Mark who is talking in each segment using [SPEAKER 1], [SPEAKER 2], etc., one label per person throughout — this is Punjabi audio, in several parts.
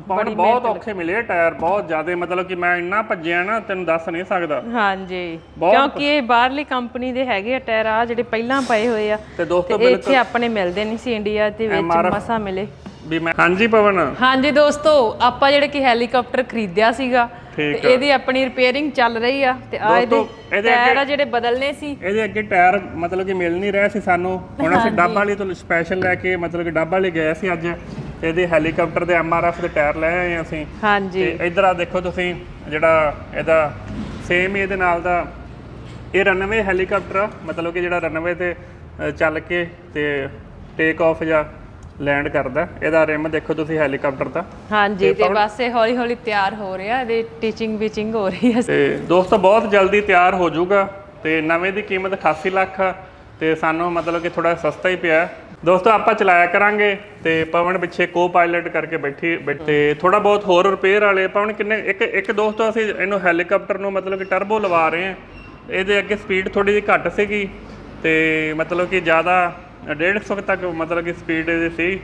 [SPEAKER 1] ਬੜੀ ਬਹੁਤ ਔਖੇ ਮਿਲੇ ਟਾਇਰ, ਬਹੁਤ ਜ਼ਿਆਦਾ, ਮਤਲਬ ਕਿ ਮੈਂ ਇੰਨਾ ਭੱਜਿਆ ਨਾ ਤੈਨੂੰ ਦੱਸ ਨਹੀਂ ਸਕਦਾ।
[SPEAKER 2] ਹਾਂਜੀ, ਕਿਉਂਕਿ ਇਹ ਬਾਹਰਲੀ ਕੰਪਨੀ ਦੇ ਹੈਗੇ ਆ ਟਾਇਰ, ਆ ਜਿਹੜੇ ਪਹਿਲਾਂ ਪਏ ਹੋਏ ਆ
[SPEAKER 1] ਤੇ ਦੋਸਤੋ
[SPEAKER 2] ਇੱਥੇ ਆਪਣੇ ਮਿਲਦੇ ਨਹੀਂ ਸੀ ਇੰਡੀਆ ਦੇ ਵਿੱਚ, ਮਸਾ ਮਿਲੇ
[SPEAKER 1] ਵੀ ਮੈਂ। ਹਾਂਜੀ ਪਵਨ।
[SPEAKER 2] ਹਾਂਜੀ ਦੋਸਤੋ, ਆਪਾਂ ਜਿਹੜੇ ਕਿ ਹੈਲੀਕਾਪਟਰ ਖਰੀਦਿਆ ਸੀਗਾ ਤੇ ਇਹਦੀ ਆਪਣੀ ਰਿਪੇਅਰਿੰਗ ਚੱਲ ਰਹੀ ਆ ਤੇ ਆ ਇਹਦੇ ਟਾਇਰ ਆ ਜਿਹੜੇ ਬਦਲਨੇ ਸੀ।
[SPEAKER 1] ਇਹਦੇ ਅੱਗੇ ਟਾਇਰ ਮਤਲਬ ਕਿ ਮਿਲ ਨਹੀਂ ਰਹੇ ਸੀ ਸਾਨੂੰ, ਹੁਣ ਅਸੀਂ ਡੱਬ ਵਾਲੀ ਤੋਂ ਸਪੈਸ਼ਲ ਲੈ ਕੇ ਮਤਲਬ ਕਿ ਡੱਬ ਵਾਲੀ ਗਏ ਸੀ ਅੱਜ, ਇਹਦੇ ਹੈਲੀਕਾਪਟਰ ਦੇ MRF ਦੇ ਟਾਇਰ ਲੈ ਆਏ ਅਸੀਂ।
[SPEAKER 2] ਹਾਂਜੀ,
[SPEAKER 1] ਤੇ ਇਧਰ ਆ ਦੇਖੋ ਤੁਸੀਂ, ਜਿਹੜਾ ਇਹਦਾ ਸੇਮ ਇਹਦੇ ਨਾਲ ਦਾ ਇਹ ਰਨਵੇ ਹੈਲੀਕਾਪਟਰ, ਮਤਲਬ ਕਿ ਜਿਹੜਾ ਰਨਵੇ ਤੇ ਚੱਲ ਕੇ ਤੇ ਟੇਕ ਆਫ ਜਾਂ ਲੈਂਡ ਕਰਦਾ। ਇਹਦਾ ਰਿਮ ਦੇਖੋ ਤੁਸੀਂ ਹੈਲੀਕਾਪਟਰ ਦਾ।
[SPEAKER 2] ਹਾਂਜੀ, ਤੇ ਬਸ ਇਹ ਹੌਲੀ ਹੌਲੀ ਤਿਆਰ ਹੋ ਰਿਹਾ, ਇਹਦੀ ਟੀਚਿੰਗ ਵਿਚਿੰਗ ਹੋ ਰਹੀ ਹੈ
[SPEAKER 1] ਤੇ ਦੋਸਤੋ ਬਹੁਤ ਜਲਦੀ ਤਿਆਰ ਹੋ ਜਾਊਗਾ। ਤੇ ਨਵੇਂ ਦੀ ਕੀਮਤ 88 ਲੱਖ ਤੇ ਸਾਨੂੰ ਮਤਲਬ ਕਿ ਥੋੜਾ ਸਸਤਾ ਹੀ ਪਿਆ ਦੋਸਤੋ। ਆਪਾਂ ਚਲਾਇਆ ਕਰਾਂਗੇ ਤੇ ਪਵਨ ਪਿੱਛੇ ਕੋ ਪਾਇਲਟ ਕਰਕੇ ਬੈਠੇ ਥੋੜਾ ਬਹੁਤ ਹੋਰ ਰਿਪੇਅਰ ਵਾਲੇ। ਪਵਨ ਕਿੰਨੇ ਇੱਕ ਦੋਸਤੋ ਅਸੀਂ ਇਹਨੂੰ ਹੈਲੀਕਾਪਟਰ ਨੂੰ ਮਤਲਬ ਕਿ ਟਰਬੋ ਲਵਾ ਰਹੇ ਹਾਂ। ਇਹਦੇ ਅੱਗੇ ਸਪੀਡ ਥੋੜੀ ਜਿਹੀ ਘੱਟ ਸੀਗੀ ਤੇ ਮਤਲਬ ਕਿ ਜ਼ਿਆਦਾ 150 ਤੱਕ ਮਤਲਬ ਕਿ ਸਪੀਡ ਇਹਦੀ ਸੀ।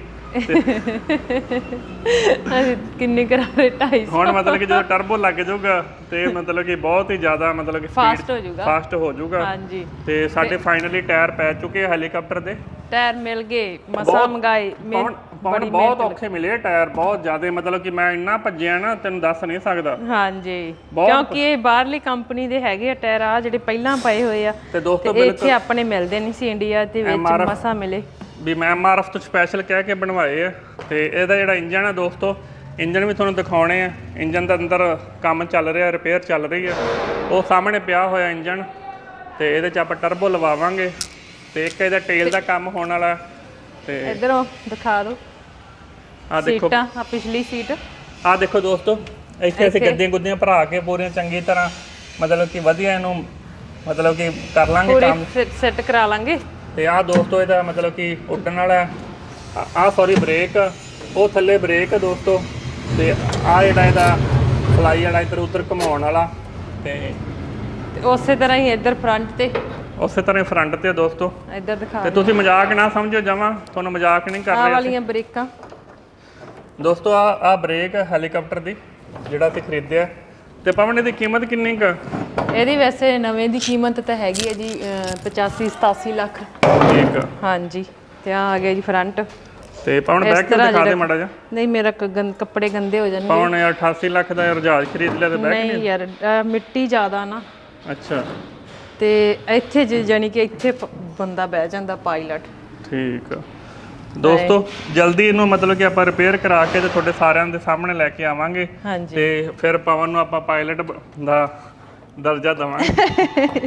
[SPEAKER 2] ਕਿੰਨੀ ਕਰਾ ਰਹੇ 250।
[SPEAKER 1] ਹੁਣ ਮਤਲਬ ਕਿ ਜਦੋਂ ਟਰਬੋ ਲੱਗ ਜਾਊਗਾ ਤੇ ਮਤਲਬ ਕਿ ਬਹੁਤ ਹੀ ਜ਼ਿਆਦਾ ਮਤਲਬ ਕਿ
[SPEAKER 2] ਫਾਸਟ ਹੋ ਜਾਊਗਾ।
[SPEAKER 1] ਹਾਂਜੀ, ਤੇ ਸਾਡੇ ਫਾਈਨਲੀ ਟਾਇਰ ਪੈ ਚੁੱਕੇ ਹੈਲੀਕਾਪਟਰ ਦੇ,
[SPEAKER 2] ਟਾਇਰ ਮਿਲ ਗਏ, ਮਸਾ ਮੰਗਾਏ।
[SPEAKER 1] ਬਹੁਤ ਔਖੇ ਮਿਲੇ ਟਾਇਰ, ਬਹੁਤ ਜ਼ਿਆਦਾ, ਮਤਲਬ ਕਿ ਮੈਂ ਇੰਨਾ ਭੱਜਿਆ ਨਾ ਤੈਨੂੰ ਦੱਸ ਨਹੀਂ ਸਕਦਾ।
[SPEAKER 2] ਹਾਂਜੀ, ਕਿਉਂਕਿ ਇਹ ਬਾਹਰਲੀ ਕੰਪਨੀ ਦੇ ਹੈਗੇ ਆ ਟਾਇਰ, ਆ ਜਿਹੜੇ ਪਹਿਲਾਂ ਪਏ ਹੋਏ ਆ
[SPEAKER 1] ਤੇ ਦੋਸਤੋ
[SPEAKER 2] ਇੱਥੇ ਆਪਣੇ ਮਿਲਦੇ ਨਹੀਂ ਸੀ ਇੰਡੀਆ ਦੇ ਵਿੱਚ, ਮਸਾ ਮਿਲੇ
[SPEAKER 1] ਵੀ ਮੈਂ MRF ਤੋਂ ਸਪੈਸ਼ਲ ਕਹਿ ਕੇ ਬਣਵਾਏ ਆ। ਤੇ ਇਹਦਾ ਜਿਹੜਾ ਇੰਜਨ ਆ ਦੋਸਤੋ, ਇੰਜਨ ਵੀ ਤੁਹਾਨੂੰ ਦਿਖਾਉਣੇ ਆ। ਇੰਜਨ ਦਾ ਅੰਦਰ ਕੰਮ ਚੱਲ ਰਿਹਾ, ਰਿਪੇਅਰ ਚੱਲ ਰਹੀ ਆ, ਉਹ ਸਾਹਮਣੇ ਪਿਆ ਹੋਇਆ ਇੰਜਨ। ਤੇ ਇਹਦੇ 'ਚ ਆਪਾਂ ਟਰਬੋ ਲਵਾਵਾਂਗੇ ਤੇ ਇੱਕ ਇਹਦਾ ਟੇਲ ਦਾ ਕੰਮ ਹੋਣ ਵਾਲਾ। ਤੇ
[SPEAKER 2] ਇਧਰੋਂ ਦਿਖਾ ਦਿਓ
[SPEAKER 1] ਆ ਦੇਖੋ,
[SPEAKER 2] ਸੀਟਾਂ ਆ ਪਿਛਲੀ ਸੀਟ
[SPEAKER 1] ਆ ਦੇਖੋ ਦੋਸਤੋ, ਇੱਥੇ ਅਸੀਂ ਗੱਦੀਆਂ ਗੁੱਦੀਆਂ ਭਰਾ ਕੇ ਪੂਰੀਆਂ ਚੰਗੀ ਤਰ੍ਹਾਂ ਮਤਲਬ ਕਿ ਵਧੀਆ ਇਹਨੂੰ ਮਤਲਬ ਕਿ ਕਰ ਲਾਂਗੇ ਕੰਮ,
[SPEAKER 2] ਸੈੱਟ ਕਰਾ ਲਾਂਗੇ।
[SPEAKER 1] ਤੇ ਆਹ ਦੋਸਤੋ ਇਹਦਾ ਮਤਲਬ ਕਿ ਉੱਡਣ ਵਾਲਾ ਆਹ ਸੌਰੀ ਬ੍ਰੇਕ, ਉਹ ਥੱਲੇ ਬ੍ਰੇਕ ਦੋਸਤੋ। ਤੇ ਆਹ ਜਿਹੜਾ ਇਹਦਾ ਫਲਾਈ ਵਾਲਾ ਇੱਧਰ ਉੱਧਰ ਘੁਮਾਉਣ ਵਾਲਾ। ਤੇ
[SPEAKER 2] ਉਸੇ ਤਰ੍ਹਾਂ ਹੀ ਇੱਧਰ ਫਰੰਟ ਤੇ,
[SPEAKER 1] ਉਸੇ ਤਰ੍ਹਾਂ ਫਰੰਟ ਤੇ ਦੋਸਤੋ।
[SPEAKER 2] ਇੱਧਰ ਦਿਖਾ
[SPEAKER 1] ਤੇ ਤੁਸੀਂ ਮਜ਼ਾਕ ਨਾ ਸਮਝੋ ਜਮਾਂ, ਤੁਹਾਨੂੰ ਮਜ਼ਾਕ ਨਹੀਂ ਕਰ ਰਹੇ।
[SPEAKER 2] ਆਹ ਵਾਲੀਆਂ ਬ੍ਰੇਕਾਂ
[SPEAKER 1] ਦੋਸਤੋ, ਆਹ ਬ੍ਰੇਕ ਹੈਲੀਕਾਪਟਰ ਦੀ ਜਿਹੜਾ ਅਸੀਂ ਖਰੀਦਿਆ। ਤੇ ਪਵਨ ਇਹਦੀ ਕੀਮਤ ਕਿੰਨੀ ਕੁ?
[SPEAKER 2] ਇਹਦੀ ਵੈਸੇ ਨਵੇਂ ਦੀ ਕੀਮਤ ਤਾਂ ਹੈਗੀ ਹੈ ਜੀ 85-87 ਲੱਖ।
[SPEAKER 1] ਠੀਕ।
[SPEAKER 2] ਹਾਂਜੀ, ਤੇ ਆ ਗਿਆ ਜੀ ਫਰੰਟ।
[SPEAKER 1] ਤੇ ਪਵਨ ਬੈਕ ਤੇ ਦਿਖਾ ਦੇ ਮਾੜਾ ਜਿਹਾ।
[SPEAKER 2] ਨਹੀਂ, ਮੇਰਾ ਕੱਪੜੇ ਗੰਦੇ ਹੋ ਜਾਣਗੇ।
[SPEAKER 1] ਪਵਨ ਯਾਰ 88 ਲੱਖ ਦਾ ਰਜਾਜ ਖਰੀਦ ਲਿਆ ਤੇ ਬੈਕ
[SPEAKER 2] ਨਹੀਂ ਯਾਰ, ਮਿੱਟੀ ਜ਼ਿਆਦਾ ਨਾ।
[SPEAKER 1] ਅੱਛਾ,
[SPEAKER 2] ਤੇ ਇੱਥੇ ਜਾਨੀ ਕਿ ਇੱਥੇ ਬੰਦਾ ਬਹਿ ਜਾਂਦਾ ਪਾਇਲਟ।
[SPEAKER 1] ਠੀਕ ਆ ਦੋਸਤੋ, ਜਲਦੀ ਇਹਨੂੰ ਮਤਲਬ ਕਿ ਆਪਾਂ ਰਿਪੇਅਰ ਕਰਾ ਕੇ ਤੇ ਤੁਹਾਡੇ ਸਾਰਿਆਂ ਦੇ ਸਾਹਮਣੇ ਲੈ ਕੇ ਆਵਾਂਗੇ। ਤੇ ਫਿਰ ਪਵਨ ਨੂੰ ਆਪਾਂ ਪਾਇਲਟ ਦਾ ਦਰਜਾ ਦੇਵਾਂਗੇ।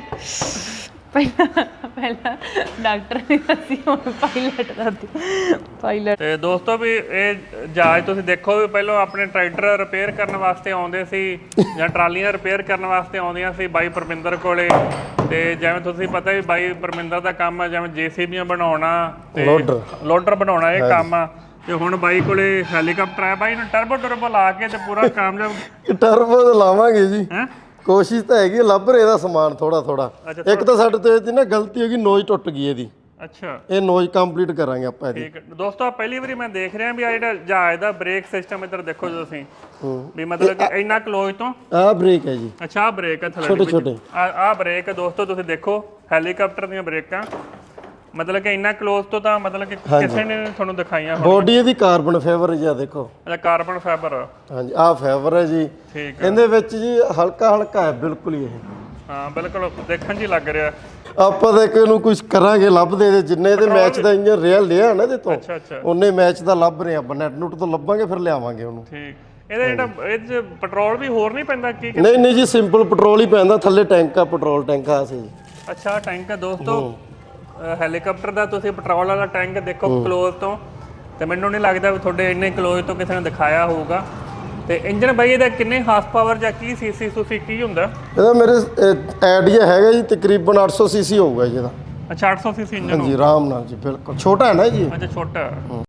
[SPEAKER 1] ਪਹਿਲਾਂ ਡਾਕਟਰ ਨੇ ਅਸੀਂ ਹੁਣ ਪਾਇਲਟ ਦਾ ਪਾਇਲਟ। ਤੇ ਦੋਸਤੋ ਵੀ ਇਹ ਜਹਾਜ਼ ਤੁਸੀਂ ਦੇਖੋ ਵੀ ਪਹਿਲਾਂ ਆਪਣੇ ਟਰੈਕਟਰ ਰਿਪੇਅਰ ਕਰਨ ਵਾਸਤੇ ਆਉਂਦੇ ਸੀ ਜਾਂ ਟਰਾਲੀਆਂ ਰਿਪੇਅਰ ਕਰਨ ਵਾਸਤੇ ਆਉਂਦੀਆਂ ਸੀ ਬਾਈ ਪਰਮਿੰਦਰ ਕੋਲੇ। ਤੇ ਜਿਵੇਂ ਤੁਸੀਂ ਪਤਾ ਵੀ ਬਾਈ ਪਰਮਿੰਦਰ ਦਾ ਕੰਮ ਆ ਜਿਵੇਂ JCBਆਂ ਬਣਾਉਣਾ ਤੇ ਲੋਡਰ ਬਣਾਉਣਾ, ਇਹ ਕੰਮ ਆ। ਤੇ ਹੁਣ ਬਾਈ ਕੋਲੇ ਹੈਲੀਕਾਪਟਰ ਆ, ਬਾਈ ਨੂੰ ਟਰਬੋ ਲਾ ਕੇ ਤੇ ਪੂਰਾ ਕਾਮਯਾਬ।
[SPEAKER 3] ਟਰਬੋ ਤਾਂ ਲਾਵਾਂਗੇ ਜੀ, ਕੋਸ਼ਿਸ਼ ਤਾਂ ਹੈਗੀ, ਲੱਭ ਰਹੇ ਦਾ ਸਮਾਨ ਥੋੜਾ। ਇੱਕ ਤਾਂ ਸਾਡੇ ਤੋਂ ਇਹਦੀ ਨਾ ਗਲਤੀ ਹੋ ਗਈ, ਨੋਜ਼ ਟੁੱਟ ਗਈ ਇਹਦੀ।
[SPEAKER 1] ਅੱਛਾ,
[SPEAKER 3] ਇਹ ਨੋਜ਼ ਕੰਪਲੀਟ ਕਰਾਂਗੇ ਆਪਾਂ ਇਹਦੀ।
[SPEAKER 1] ਠੀਕ ਦੋਸਤੋ, ਪਹਿਲੀ ਵਾਰੀ ਮੈਂ ਦੇਖ ਰਿਹਾ ਵੀ ਆ ਜਿਹੜਾ ਜਹਾਜ਼ ਦਾ ਬ੍ਰੇਕ ਸਿਸਟਮ ਇੱਧਰ ਦੇਖੋ ਤੁਸੀਂ ਵੀ ਮਤਲਬ ਕਿ ਇੰਨਾ ਕਲੋਜ਼ ਤੋਂ
[SPEAKER 3] ਆਹ ਬ੍ਰੇਕ ਹੈ ਜੀ।
[SPEAKER 1] ਅੱਛਾ, ਆਹ ਬ੍ਰੇਕ ਹੈ ਥੱਲੇ
[SPEAKER 3] ਛੋਟੇ
[SPEAKER 1] ਆਹ ਬ੍ਰੇਕ ਦੋਸਤੋ ਤੁਸੀਂ ਦੇਖੋ ਹੈਲੀਕਾਪਟਰ ਦੀਆਂ ਬ੍ਰੇਕਾਂ, ਮਤਲਬ ਕਿ ਇੰਨਾ ਕਲੋਜ਼ ਤੋਂ ਤਾਂ ਮਤਲਬ ਕਿ ਕਿਸੇ ਨੇ ਤੁਹਾਨੂੰ ਦਿਖਾਈਆਂ।
[SPEAKER 3] ਬੋਡੀ ਇਹਦੀ ਕਾਰਬਨ ਫਾਈਬਰ ਜੀ, ਆ ਦੇਖੋ।
[SPEAKER 1] ਅੱਛਾ, ਕਾਰਬਨ ਫਾਈਬਰ।
[SPEAKER 3] ਹਾਂਜੀ, ਆਹ ਫਾਈਬਰ ਹੈ ਜੀ।
[SPEAKER 1] ਠੀਕ।
[SPEAKER 3] ਇਹਦੇ ਵਿੱਚ ਜੀ ਹਲਕਾ ਹੈ ਬਿਲਕੁਲ ਹੀ ਇਹ।
[SPEAKER 1] ਹਾਂ ਬਿਲਕੁਲ, ਦੇਖਣ 'ਚ ਹੀ ਲੱਗ ਰਿਹਾ।
[SPEAKER 3] ਆਪਾਂ ਤਾਂ ਇਹਨੂੰ ਕੁਝ ਕਰਾਂਗੇ, ਲੱਭਦੇ ਇਹਦੇ ਜਿੰਨੇ ਇਹਦੇ ਮੈਚ ਦਾ ਇੰਜਨ ਰੀਅਲ ਲਿਆ ਨਾ ਇਹਦੇ ਤੋਂ, ਉਹਨੇ ਮੈਚ ਦਾ ਲੱਭ ਰਹੇ ਆਪਾਂ। ਨੈਟ ਨੂਟ ਤੋਂ ਲੱਭਾਂਗੇ ਫਿਰ ਲਿਆਵਾਂਗੇ ਉਹਨੂੰ।
[SPEAKER 1] ਠੀਕ। ਇਹਦਾ ਜਿਹੜਾ ਇਹ 'ਚ ਪੈਟਰੋਲ ਵੀ ਹੋਰ ਨਹੀਂ ਪੈਂਦਾ ਕੀ?
[SPEAKER 3] ਨਹੀਂ ਜੀ, ਸਿੰਪਲ ਪੈਟਰੋਲ ਹੀ ਪੈਂਦਾ। ਥੱਲੇ ਟੈਂਕ ਆ, ਪੈਟਰੋਲ ਟੈਂਕ ਆ ਸੀ ਜੀ।
[SPEAKER 1] ਅੱਛਾ, ਟੈਂਕ ਆ ਦੋਸਤੋ ਹੈਲੀਕਾਪਟਰ ਦਾ। ਤੁਸੀਂ ਪੈਟਰੋਲ ਵਾਲਾ ਟੈਂਕ ਦੇਖੋ ਕਲੋਜ਼ ਤੋਂ, ਤੇ ਮੈਨੂੰ ਨਹੀਂ ਲੱਗਦਾ ਵੀ ਤੁਹਾਡੇ ਇੰਨੇ ਕਲੋਜ਼ ਤੋਂ ਕਿਸੇ ਨੇ ਦਿਖਾਇਆ ਹੋਊਗਾ। ਤੇ ਇੰਜਨ ਬਾਈ ਇਹਦਾ ਕਿੰਨੇ ਹਾਰਸ ਪਾਵਰ ਜਾਂ ਕੀ ਸੀਸੀ ਤੁਸੀਂ ਕੀ ਹੁੰਦਾ?
[SPEAKER 3] ਇਹਦਾ ਮੇਰੇ ਆਈਡੀਆ ਹੈਗਾ ਜੀ ਤਕਰੀਬਨ 800 cc ਹੋਊਗਾ ਜੀ ਇਹਦਾ।
[SPEAKER 1] ਅੱਛਾ, 800 cc ਇੰਜਨ।
[SPEAKER 3] ਹਾਂਜੀ, ਆਰਾਮ ਨਾਲ ਜੀ, ਬਿਲਕੁਲ। ਛੋਟਾ ਹੈ ਨਾ ਜੀ।
[SPEAKER 1] ਅੱਛਾ, ਛੋਟਾ।